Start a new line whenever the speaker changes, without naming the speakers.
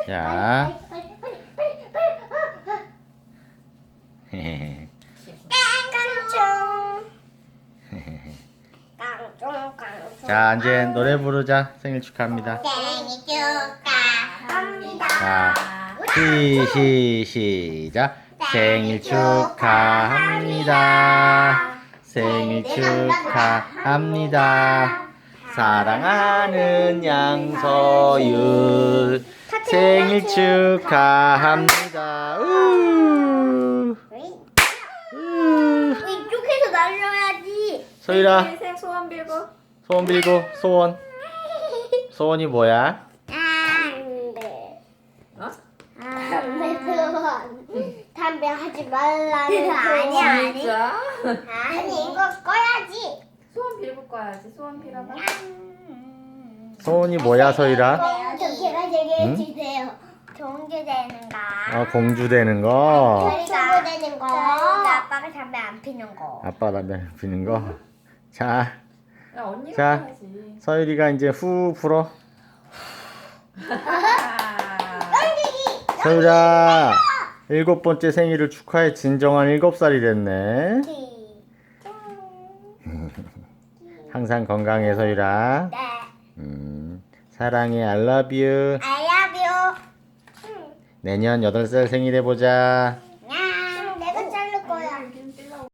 자. 자, 이제 노래 부르자. 생일 축하합니다.
생일 축하합니다.
자, 시작. 생일 축하합니다. 생일 축하합니다. 사랑하는 양서윤 생일 축하합니다.
이쪽에서 날려야지.
서율아,
인생 소원 빌고.
소원 빌고. 소원이 뭐야?
담배.
어?
담배 소원. 담배 하지 말라는 소원. 아니.
진짜?
아니 이거 꺼야지.
소원 빌고 꺼야지. 소원 빌어봐.
소원이 뭐야, 서율아?
제가 얘기해 주세요. 좋은 게 되는 거.
공주 되는 거.
저희가 되는 거. 아빠가 담배 안 피는 거.
아빠 담배 피는 거. 자,
야, 언니가
자.
해야지.
서율이가 이제 후 불어.
아.
서율아, 7번째 생일을 축하해. 진정한 7살이 됐네. 항상 건강해, 서율아.
네.
사랑해, I love you.
I love you.
내년 8살 생일 해보자.